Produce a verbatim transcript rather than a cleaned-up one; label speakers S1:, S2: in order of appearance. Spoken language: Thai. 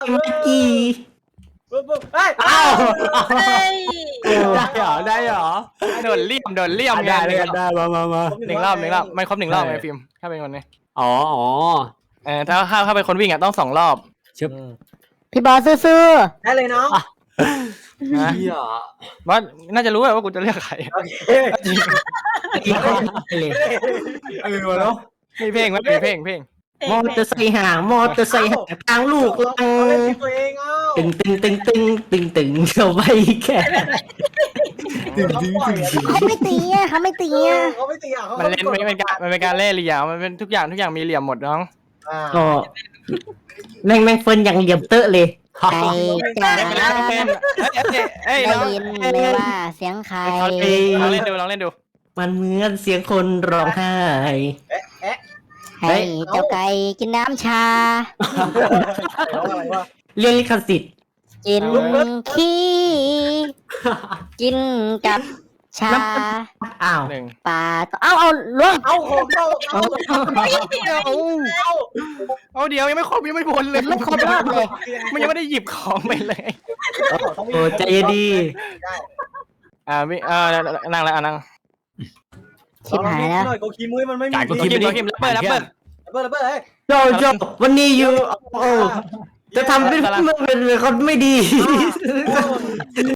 S1: เมื่อกี้
S2: ปุ๊บปุ๊บเฮ้ย
S1: อ้าว
S3: เฮ้ย
S1: ได้เหรอได้เหรอ
S4: โดนเลี่ยมโดนเลี่ยมไง
S1: ได้เลยได้มามามา
S4: หนึ่งรอบหนึ่งรอบมันครบหนึ่งรอบไงฟิล์มถ้าเป็นคนนี้
S1: อ๋ออ๋อ
S4: เออถ้าถ้าถ้าเป็นคนวิ่งอ่ะต้องสองรอบ
S1: ชึบ
S3: พี่บอสซื้อ
S2: ได้เลยน้อง
S4: นะ
S1: เฮีย
S4: ว่าน่าจะรู้แหละว่ากูจะเลือกใคร
S2: โอเค
S1: เลยเออวะเนาะ
S4: มีเพลงไหมมีเพลงเพลง
S1: มอเตอร์ไซค์ห่างมอเตอร์ไซค์ห่างทางลูกลัง
S2: เอาเล่นทีมตัวเองเอ้า
S1: ตึงตึงตึงตึงตึงตึงเข้าไปแค่
S2: เขาปล่อยอะ
S3: เขาไม่ตีอ่ะเขาไม่ตีอ่ะ
S2: เขาไม่ตีอ่ะเขา
S4: มันเล่นไม่เป็นการมันเป็นการเล่นเหลี่ยมมันเป็นทุกอย่างทุกอย่างมีเหลี่ยมหมดน้อง
S2: อ่า
S1: ก็แม่งแม่งเฟิร์นอย่างเหลี่ยมเตอะเลย
S3: ใครจ๋า
S4: เล่นไปแล้วเป็นเอ้ยเอ้ย
S3: ได้
S4: น้อง
S3: ยินไหมว่าเสียงใคร
S4: ลองเล่นดูลองเล่นดู
S1: มันเหมือนเสียงคนร้องไห้
S2: เอ๊ะเอ๊ะ
S3: ให้เจ้าไก่กินน้ำชา
S2: ร้องอะไรวะ
S1: เรื่องลิขสิทธิ์
S3: กินขี้กินกับชา
S1: อ้าว
S4: หนึ่ง
S3: ปลาเอาเอาล่วง
S2: เอาของเราเอา
S4: เอาเดี๋ยวยังไม่ครบยังไม่หมดเลย
S3: ไม่ครบรอบเลย
S4: มันยังไม่ได้หยิบของไปเลย
S1: โอ้ใจเย็นดี
S4: อ่ามีอ่านั่งแล้วนั่ง
S3: ชิบหายแล้ว
S2: หน่อยโกคีมุ้ยมันไม่มี
S4: กูคิมกูคิมแรปเปอร์แรปเปอร์
S2: เปิดเปิดเฮ้ย
S1: โจโจวันนี้อยู่โอ้จะทำเป็นเป็นคนไม่ดี